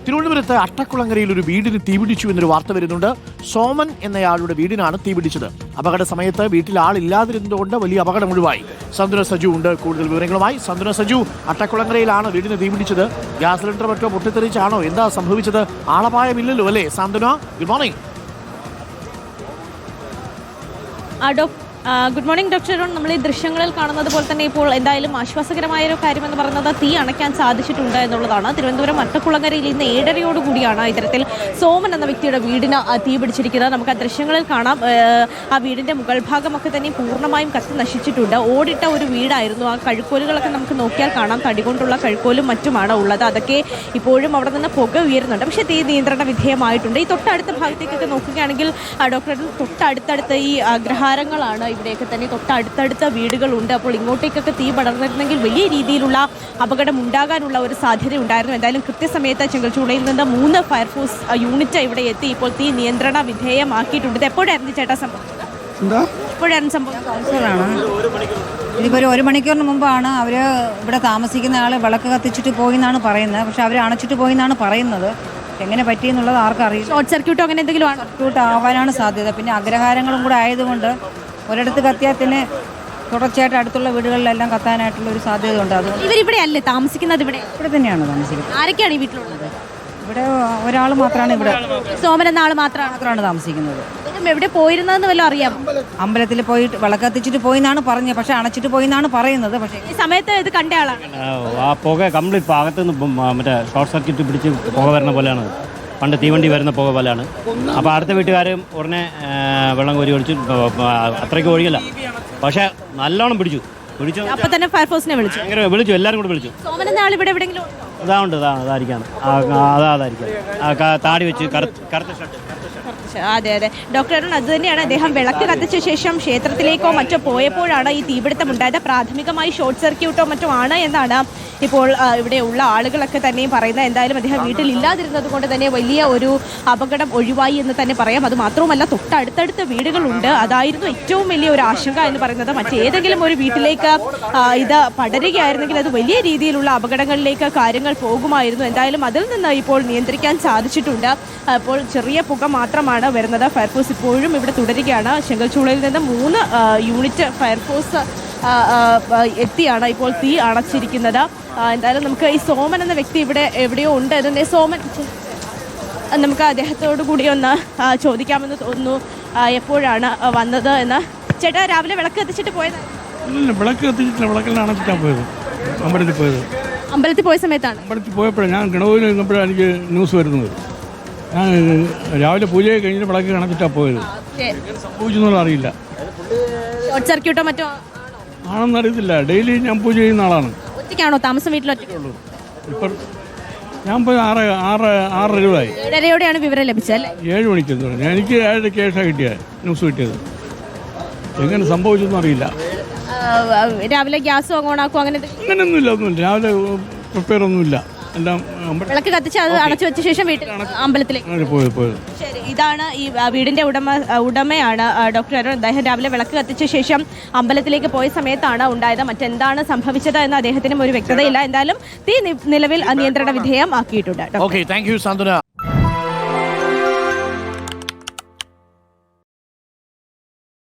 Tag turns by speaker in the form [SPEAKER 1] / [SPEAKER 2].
[SPEAKER 1] തിരുവനന്തപുരത്ത് അട്ടക്കുളങ്ങരയിൽ ഒരു വീടിന് തീപിടിച്ചു എന്നൊരു വാർത്ത വരുന്നുണ്ട്. സോമൻ എന്നയാളുടെ വീടിനാണ് തീപിടിച്ചത്. അപകട സമയത്ത് വീട്ടിൽ ആളില്ലാതിരുന്നതുകൊണ്ട് വലിയ അപകടം ഒഴിവായി. സന്തുന സജു ഉണ്ട് കൂടുതൽ വിവരങ്ങളുമായി. സന്തുന സജു, അട്ടക്കുളങ്ങരയിലാണ് വീടിന് തീപിടിച്ചത്. ഗ്യാസ് സിലിണ്ടർ മറ്റോ പൊട്ടിത്തെറിച്ചാണോ എന്താ സംഭവിച്ചത്? ആളപായമില്ലല്ലോ അല്ലേ Santhuna? Good morning.
[SPEAKER 2] Good morning doctor Arun. നമ്മൾ ഈ ദൃശ്യങ്ങളിൽ കാണുന്നത് പോലെ തന്നെ ഇപ്പോൾ എന്തായാലും ആശ്വാസകരമായ ഒരു കാര്യമെന്ന് പറയുന്നത് തീ അണയ്ക്കാൻ സാധിച്ചിട്ടുണ്ട് എന്നുള്ളതാണ്. തിരുവനന്തപുരം അട്ടക്കുളങ്ങരയിൽ ഇന്ന് 7:30 ഇത്തരത്തിൽ സോമൻ എന്ന വ്യക്തിയുടെ വീടിന് തീ പിടിച്ചിരിക്കുന്നത്. നമുക്ക് ആ ദൃശ്യങ്ങളിൽ കാണാം. ആ വീടിൻ്റെ മുകൾ ഭാഗമൊക്കെ തന്നെ പൂർണ്ണമായും കത്തി നശിച്ചിട്ടുണ്ട്. ഓടിട്ട ഒരു വീടായിരുന്നു. ആ കഴുക്കോലുകളൊക്കെ നമുക്ക് നോക്കിയാൽ കാണാം. തടി കൊണ്ടുള്ള കഴുക്കോലും മറ്റുമാണ് ഉള്ളത്. അതൊക്കെ ഇപ്പോഴും അവിടെ നിന്ന് പുക ഉയരുന്നുണ്ട്. പക്ഷേ തീ നിയന്ത്രണ വിധേയമായിട്ടുണ്ട്. ഈ തൊട്ടടുത്ത ഭാഗത്തേക്കൊക്കെ നോക്കുകയാണെങ്കിൽ ഡോക്ടർ അരുൺ, തൊട്ടടുത്തടുത്ത ഈ അഗ്രഹാരങ്ങളാണ്. ഇവിടെയൊക്കെ തന്നെ തൊട്ടടുത്തടുത്ത വീടുകളുണ്ട്. അപ്പോൾ ഇങ്ങോട്ടേക്കൊക്കെ തീ പടർന്നിരുന്നെങ്കിൽ വലിയ രീതിയിലുള്ള അപകടം ഉണ്ടാകാനുള്ള ഒരു സാധ്യത ഉണ്ടായിരുന്നു. എന്തായാലും കൃത്യസമയത്ത് ചെങ്കൽച്ചൂളയിൽ നിന്ന് 3 ഫയർഫോഴ്സ് യൂണിറ്റ് ഇവിടെ എത്തി ഇപ്പോൾ തീ നിയന്ത്രണ വിധേയമാക്കിയിട്ടുണ്ട്. ഇത് എപ്പോഴായിരുന്നു ചേട്ടാ സംഭവിച്ചത്? എപ്പോഴായിരുന്നു സംഭവിച്ചത്?
[SPEAKER 3] ഇതിപ്പോൾ 1 മണിക്കൂറിന് മുമ്പാണ് അവർ ഇവിടെ താമസിക്കുന്ന ആൾ വിളക്ക് കത്തിച്ചിട്ട് പോയി എന്നാണ് പറയുന്നത്. പക്ഷെ അവർ അണച്ചിട്ട് പോയി എന്നാണ് പറയുന്നത്. എങ്ങനെ പറ്റിയെന്നുള്ളത് ആർക്കും അറിയില്ല.
[SPEAKER 2] ഷോർട്ട് സർക്യൂട്ടോ അങ്ങനെ എന്തെങ്കിലും ആണോ?
[SPEAKER 3] സർക്യൂട്ട് ആവാനാണ് സാധ്യത. പിന്നെ അഗ്രഹാരങ്ങളും കൂടെ ആയതുകൊണ്ട് ഒരിടത്ത് കത്തിയാൽ പിന്നെ തുടർച്ചയായിട്ട് അടുത്തുള്ള വീടുകളിലെല്ലാം കത്താനായിട്ടുള്ള ഒരു സാധ്യത ഉണ്ട്. അത്
[SPEAKER 2] ഇവരിവിടെ അല്ലേ താമസിക്കുന്നത്? ഇവിടെ
[SPEAKER 3] തന്നെയാണ് താമസിക്കുന്നത്.
[SPEAKER 2] ആരൊക്കെയാണ് ഈ വീട്ടിലുള്ളത്?
[SPEAKER 3] ഇവിടെ ഒരാൾ മാത്രമാണ് ഇവിടെ
[SPEAKER 2] സോമൻ എന്ന ആൾ മാത്രമാണ്
[SPEAKER 3] താമസിക്കുന്നത്.
[SPEAKER 2] എവിടെ പോയിരുന്നതെന്ന് വല്ലതും അറിയാം?
[SPEAKER 3] അമ്പലത്തിൽ പോയിട്ട് വിളക്ക് കത്തിച്ചിട്ട് പോയി എന്നാണ് പറഞ്ഞത്. പക്ഷെ അണച്ചിട്ട് പോയി എന്നാണ് പറയുന്നത്. പക്ഷേ
[SPEAKER 2] ഈ സമയത്ത് ഇത് കണ്ട ആളാണ്.
[SPEAKER 4] ആ പുക കംപ്ലീറ്റ് അകത്തുനിന്ന് മറ്റേ ഷോർട്ട് സർക്യൂട്ട് പിടിച്ച് പുക വരുന്ന പോലെയാണ്. പണ്ട് തീവണ്ടി വരുന്ന പുക പോലെയാണ്. അപ്പോൾ അടുത്ത വീട്ടുകാരും ഉടനെ വെള്ളം കോരി ഒഴിച്ച് അത്രയ്ക്ക് ഒഴിയില്ല. പക്ഷേ നല്ലോണം പിടിച്ചു.
[SPEAKER 2] അപ്പൊ തന്നെ ഫയർഫോഴ്സിനെ
[SPEAKER 4] വിളിച്ചു. എല്ലാവരും കൂടെ വിളിച്ചു.
[SPEAKER 2] സോമൻ എന്ന ആൾ ഇവിടെ എവിടെയെങ്കിലും
[SPEAKER 4] അതാണ്ട് അതായിരിക്കാം. താടി വെച്ച് കറുത്ത ഷർട്ട്.
[SPEAKER 2] അതെ അതെ ഡോക്ടർ അരുൺ, അത് തന്നെയാണ്. അദ്ദേഹം വിളക്ക് കത്തിച്ച ശേഷം ക്ഷേത്രത്തിലേക്കോ മറ്റോ പോയപ്പോഴാണ് ഈ തീപിടുത്തം ഉണ്ടായത്. പ്രാഥമികമായി ഷോർട്ട് സർക്യൂട്ടോ മറ്റോ ആണ് എന്നാണ് ഇപ്പോൾ ഇവിടെ ഉള്ള ആളുകളൊക്കെ തന്നെയും പറയുന്നത്. എന്തായാലും അദ്ദേഹം വീട്ടിലില്ലാതിരുന്നത് കൊണ്ട് തന്നെ വലിയ ഒരു അപകടം ഒഴിവായി എന്ന് തന്നെ പറയാം. അത് മാത്രവുമല്ല, തൊട്ടടുത്തടുത്ത വീടുകളുണ്ട്. അതായിരുന്നു ഏറ്റവും വലിയ ഒരു ആശങ്ക എന്ന് പറയുന്നത്. മറ്റേതെങ്കിലും ഒരു വീട്ടിലേക്ക് ഇത് പടരുകയായിരുന്നെങ്കിൽ അത് വലിയ രീതിയിലുള്ള അപകടങ്ങളിലേക്ക് കാര്യങ്ങൾ പോകുമായിരുന്നു. എന്തായാലും അതിൽ നിന്ന് ഇപ്പോൾ നിയന്ത്രിക്കാൻ സാധിച്ചിട്ടുണ്ട്. അപ്പോൾ ചെറിയ പുക മാത്രമാണ് വരുന്നത്. ഫയർഫോഴ്സ് ഇപ്പോഴും ഇവിടെ തുടരുകയാണ്. ചെങ്കൽച്ചൂളയിൽ നിന്ന് 3 യൂണിറ്റ് ഫയർഫോഴ്സ് എത്തിയാണ് ഇപ്പോൾ തീ അണച്ചിരിക്കുന്നത്. എന്തായാലും നമുക്ക് ഈ സോമൻ എന്ന വ്യക്തി ഇവിടെ എവിടെയോ ഉണ്ട്. അതിൻ്റെ സോമൻ, നമുക്ക് അദ്ദേഹത്തോടു കൂടി ഒന്ന് ചോദിക്കാമെന്ന് തോന്നുന്നു. എപ്പോഴാണ് വന്നത് എന്ന്. ചേട്ടാ, രാവിലെ വിളക്ക് കത്തിച്ചിട്ട് പോയത്?
[SPEAKER 5] വിളക്ക് കത്തിച്ചിട്ടില്ല, വിളക്കെല്ലാം അണച്ചിട്ടാണ് പോയത്. അമ്പലത്തിൽ പോയത്.
[SPEAKER 2] അമ്പലത്തിൽ പോയ സമയത്താണ്?
[SPEAKER 5] അമ്പലത്തിൽ പോയപ്പോഴാണ് ഞാൻ ഗണപതിയിൽ നിന്നപ്പോഴാണ് എനിക്ക് ന്യൂസ് വരുന്നത്. ഞാൻ രാവിലെ പൂജയെ കഴിഞ്ഞിട്ട് വിളക്ക് അണച്ചിട്ടാണ് പോയത്. സംഭവിച്ചെന്നുള്ള അറിയില്ല.
[SPEAKER 2] ഷോർട്ട് സർക്യൂട്ടോ മറ്റോ
[SPEAKER 5] ആണെന്ന് അറിയത്തില്ല. ഡെയിലി ഞാൻ പൂജ ചെയ്യുന്ന ആളാണ്.
[SPEAKER 2] ഒറ്റയ്ക്കാണോ താമസം? വീട്ടിലൊറ്റയ്ക്കുള്ളൂ.
[SPEAKER 5] ഇപ്പം ഞാൻ പോയി 6:30
[SPEAKER 2] 7:30 വിവരം ലഭിച്ചത്.
[SPEAKER 5] 7 മണിക്കെന്ന് പറഞ്ഞു. എനിക്ക് 7:30 ശേഷം കിട്ടിയത് ന്യൂസ് കിട്ടിയത്. എങ്ങനെ സംഭവിച്ചെന്നും അറിയില്ല.
[SPEAKER 2] രാവിലെ ഗ്യാസ് ഓണാക്കും
[SPEAKER 5] അങ്ങനെയൊന്നുമില്ല. രാവിലെ പ്രിപ്പയർ ഒന്നുമില്ല. എല്ലാം
[SPEAKER 2] വിളക്ക് കത്തിച്ച് അത് അടച്ചു വെച്ച ശേഷം വീട്ടിൽ അമ്പലത്തിലേക്ക് പോയത്. ശരി, ഇതാണ് ഈ വീടിന്റെ ഉടമയാണ് ഡോക്ടർ അരുൺ. അദ്ദേഹം രാവിലെ വിളക്ക് കത്തിച്ച ശേഷം അമ്പലത്തിലേക്ക് പോയ സമയത്താണ് ഉണ്ടായത്. മറ്റെന്താണ് സംഭവിച്ചത് എന്ന് അദ്ദേഹത്തിനും ഒരു വ്യക്തതയില്ല. എന്തായാലും തീ നിലവിൽ നിയന്ത്രണ വിധേയമാക്കിയിട്ടുണ്ട്.
[SPEAKER 1] Okay, thank you സന്തുന.